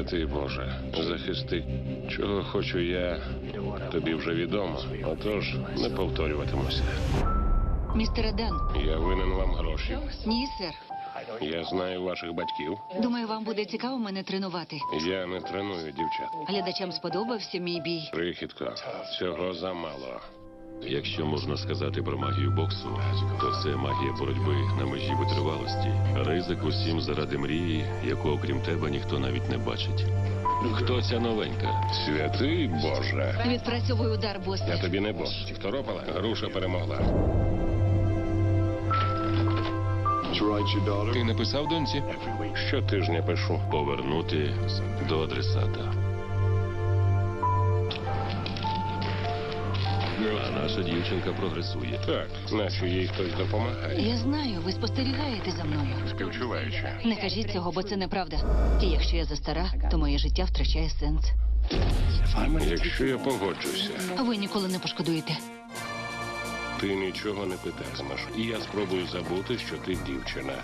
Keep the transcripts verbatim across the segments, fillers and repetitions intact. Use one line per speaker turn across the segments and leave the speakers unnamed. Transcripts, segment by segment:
Святий Боже, захисти. Чого хочу я, тобі вже відомо. Отож, не повторюватимуся.
Містере Дан.
Я винен вам гроші.
Ні, сер.
Я знаю ваших батьків.
Думаю, вам буде цікаво мене тренувати.
Я не треную дівчат.
Глядачам сподобався мій бій.
Крихітко, цього замало.
Якщо можна сказати про магію боксу, то це магія боротьби на межі витривалості. Ризик усім заради мрії, яку окрім тебе ніхто навіть не бачить. Хто ця новенька?
Святий Боже.
Відпрацьовую удар,
Я
босе.
тобі не бос. Второпала, груша перемогла.
Ти написав доньці?
Щотижня пишу.
Повернути до адресата. А наша дівчинка прогресує.
Так, наче їй хтось допомагає.
Я знаю, ви спостерігаєте за мною.
Співчуваючи.
Не кажіть цього, бо це неправда. І якщо я застара, то моє життя втрачає сенс.
Якщо я погоджуся,
А ви ніколи не пошкодуєте.
ти нічого не питатимеш. І я спробую забути, що ти дівчина.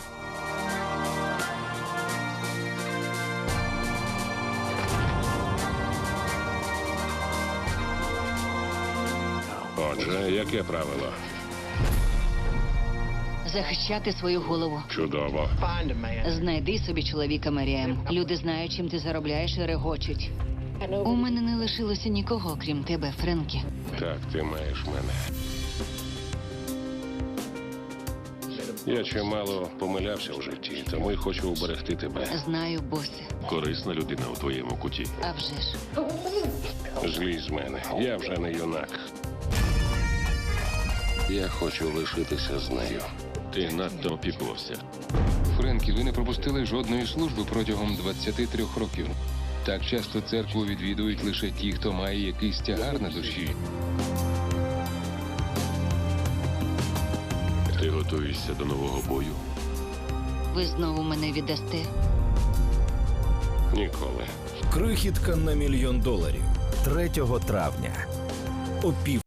Отже, яке правило?
Захищати свою голову.
Чудово.
Знайди собі чоловіка, Меріем. Люди знають, чим ти заробляєш і регочуть. У мене не лишилося нікого, крім тебе, Френкі.
Так, ти маєш мене. Я чимало помилявся в житті, тому й хочу уберегти тебе.
Знаю, босе.
Корисна людина у твоєму куті.
А вже ж.
Злізь з мене. Я вже не юнак. Я хочу лишитися з нею.
Ти надто опікувався.
Френкі, ви не пропустили жодної служби протягом двадцяти трьох років. Так часто церкву відвідують лише ті, хто має якийсь тягар на душі.
Ти готуєшся до нового бою?
Ви знову мене віддасте.
Ніколи.
Крихітка на мільйон доларів. третього травня. О пів